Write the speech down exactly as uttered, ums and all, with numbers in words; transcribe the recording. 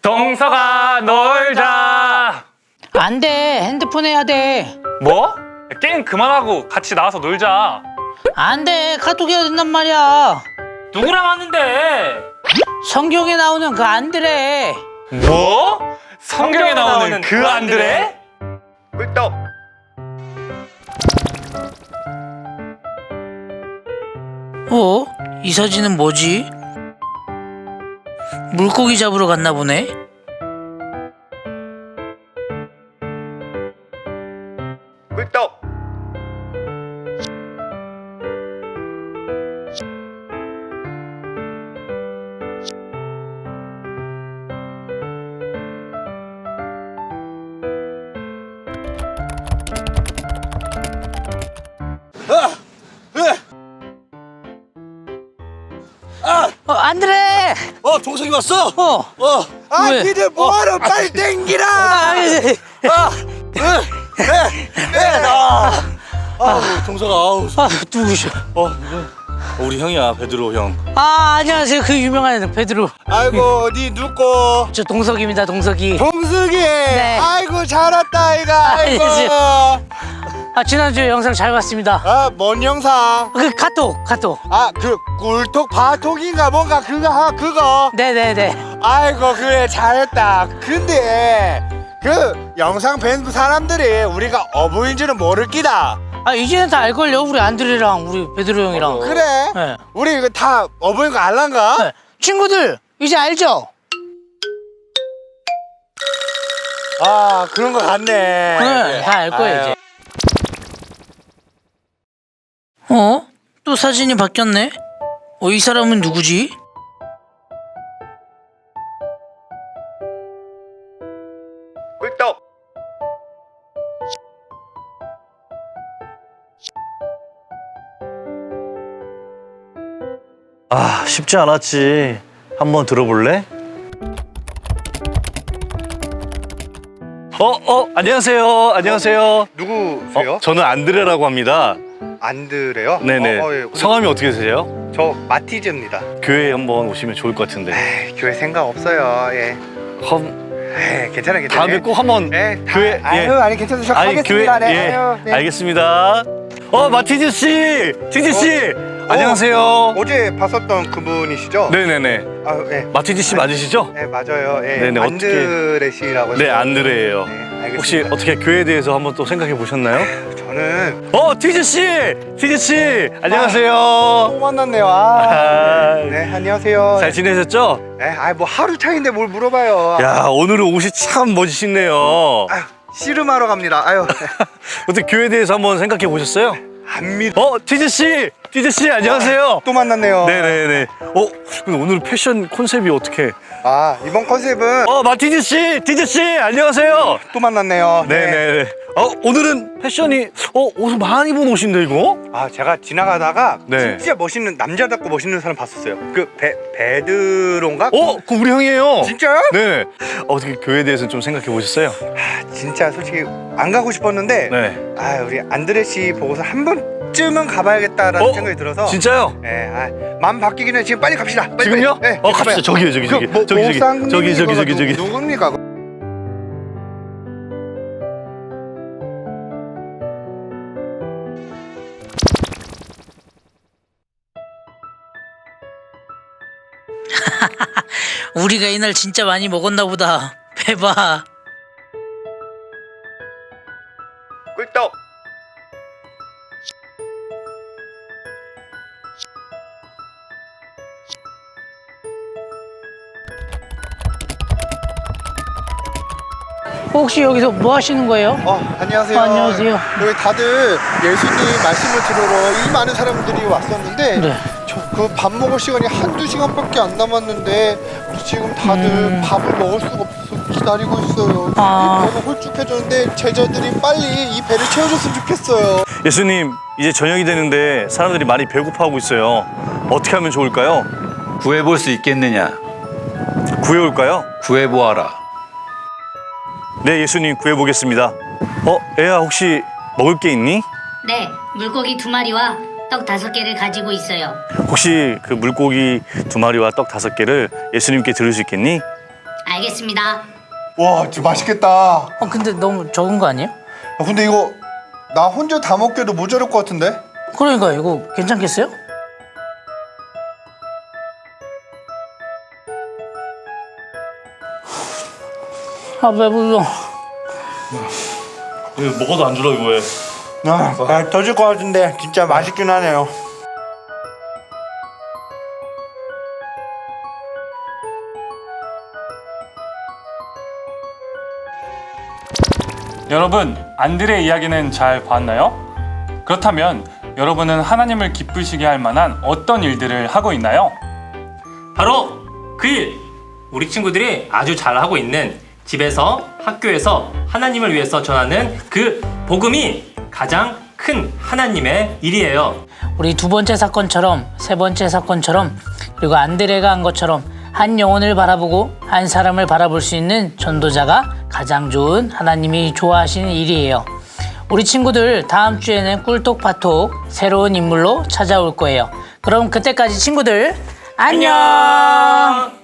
동서가 놀자. 안 돼. 핸드폰 해야 돼. 뭐? 게임 그만하고 같이 나와서 놀자. 안 돼. 카톡 해야 된단 말이야. 누구랑 하는데? 성경에 나오는 그 안드레. 뭐? 성경에 나오는 그 안드레? 꿀떡. 어? 이 사진은 뭐지? 물고기 잡으러 갔나 보네? 꿀떡. 어, 안드레! 어, 동석이 왔어? 어! 어. 아, 왜? 니들 뭐하러 빨리 땡기라. 아, 예. 아, 네, 네, 네, 나. 아우, 동석아, 아우. 아, 누구셔? 어, 우리 형이야, 베드로 형. 아, 안녕하세요. 그 유명한 베드로. 아이고, 니 누꼬? 저 동석입니다, 동석이. 동숙이. 네. 아이고, 잘 왔다, 아이가. 아이고. 아, 지난주에 영상 잘 봤습니다. 아, 뭔 영상? 그 카톡, 카톡. 아, 그 꿀톡 바톡인가 뭔가 그거 하 그거. 네네네. 아이고, 그래 잘했다. 근데 그 영상 뵌 사람들이 우리가 어부인 줄은 모를 끼다. 아, 이제는 다 알걸요? 우리 안드레랑 우리 베드로 형이랑. 그래? 네. 우리 이거 다 어부인 거 알란가? 네. 친구들, 이제 알죠? 아, 그런 거 같네. 네, 다 알 거예요, 아유. 이제. 어? 또 사진이 바뀌었네? 어, 이 사람은 누구지? 꿀떡. 아, 쉽지 않았지. 한번 들어볼래? 어, 어, 안녕하세요. 안녕하세요. 누구세요? 어, 저는 안드레라고 합니다. 안드레요? 네네. 어, 어, 예. 성함이 어떻게 되세요? 저 마티즈입니다. 교회에 한번 오시면 좋을 것 같은데. 에이, 교회 생각 없어요. 예. 험, 에이, 괜찮아, 괜찮아. 다음에 꼭 한번 예, 다, 교회, 아유, 예. 아니 괜찮으셔. 아니, 교회, 하겠습니다. 네. 예. 아유, 네. 알겠습니다. 어, 마티즈 씨! 티즈 씨! 안녕하세요. 어제 봤었던 그분이시죠? 네네네. 아, 예. 마티즈 씨 맞으시죠? 네, 맞아요. 예. 네네, 안드레 씨라고. 네, 해서. 안드레예요. 네, 알겠습니다. 혹시 어떻게 교회에 대해서 한번 또 생각해 보셨나요? 저는 어, 티즈 씨! 티즈 씨! 또 안녕하세요. 만났네요. 아, 아, 네, 네, 안녕하세요. 잘 지내셨죠? 네, 아, 뭐 하루 차인데 뭘 물어봐요. 야, 오늘은 옷이 참 멋지시네요. 아유, 씨름하러 갑니다. 아유, 어떻게 교회에 대해서 한번 생각해 보셨어요? 안 믿어. 어, 티즈 씨! 티즈 씨, 안녕하세요. 또 만났네요. 네네네. 어, 근데 오늘 패션 컨셉이 어떻게? 아, 이번 컨셉은 어, 마티즈 씨! 티즈 씨! 안녕하세요. 또 만났네요. 네. 네네네. 어, 오늘은 패션이, 어, 옷을 많이 입은 옷인데, 이거? 아, 제가 지나가다가 네. 진짜 멋있는 남자답고 멋있는 사람 봤었어요. 그 베, 베드로인가? 어, 그 우리 형이에요. 진짜요? 네. 어떻게 교회에 대해서 좀 생각해 보셨어요? 아, 진짜 솔직히 안 가고 싶었는데 네. 아, 우리 안드레 씨 보고서 한 번쯤은 가봐야겠다라는 어? 생각이 들어서 진짜요? 네, 아, 마음 바뀌기는 지금 빨리 갑시다. 빨리, 지금요? 빨리. 네, 어, 갑시다. 가봐요. 저기요, 저기, 저기. 그, 뭐, 저기, 저기. 목사님이 저기, 저기, 저기, 누- 저기. 누굽니까? 우리가 이날 진짜 많이 먹었나 보다. 배봐. 꿀떡. 혹시 여기서 뭐 하시는 거예요? 어, 안녕하세요. 어, 안녕하세요. 여기 다들 예수님 말씀을 들으러 이 많은 사람들이 왔었는데 네. 저 그 밥 먹을 시간이 한두 시간밖에 안 남았는데 우리 지금 다들 음. 밥을 먹을 수가 없어서 기다리고 있어요. 아. 이 배가 홀쭉해졌는데 제자들이 빨리 이 배를 채워줬으면 좋겠어요. 예수님, 이제 저녁이 되는데 사람들이 많이 배고파하고 있어요. 어떻게 하면 좋을까요? 구해볼 수 있겠느냐? 구해올까요? 구해보아라. 네, 예수님 구해보겠습니다. 어, 애야 혹시 먹을 게 있니? 네, 물고기 두 마리와 떡 다섯 개를 가지고 있어요. 혹시 그 물고기 두 마리와 떡 다섯 개를 예수님께 드릴 수 있겠니? 알겠습니다. 와 진짜 맛있겠다. 어 근데 너무 적은 거 아니에요? 야, 근데 이거 나 혼자 다 먹기에도 모자랄 것 같은데? 그러니까 이거 괜찮겠어요? 아 배불러. 이거 먹어도 안 줄어 이거 왜? 아, 아 터질 것 같은데 진짜 맛있긴 하네요. 여러분, 안드레의 이야기는 잘 봤나요? 그렇다면 여러분은 하나님을 기쁘시게 할 만한 어떤 일들을 하고 있나요? 바로 그 일! 우리 친구들이 아주 잘하고 있는 집에서 학교에서 하나님을 위해서 전하는 그 복음이 가장 큰 하나님의 일이에요. 우리 두 번째 사건처럼 세 번째 사건처럼 그리고 안드레가 한 것처럼 한 영혼을 바라보고 한 사람을 바라볼 수 있는 전도자가 가장 좋은 하나님이 좋아하시는 일이에요. 우리 친구들 다음 주에는 꿀톡파톡 새로운 인물로 찾아올 거예요. 그럼 그때까지 친구들 안녕!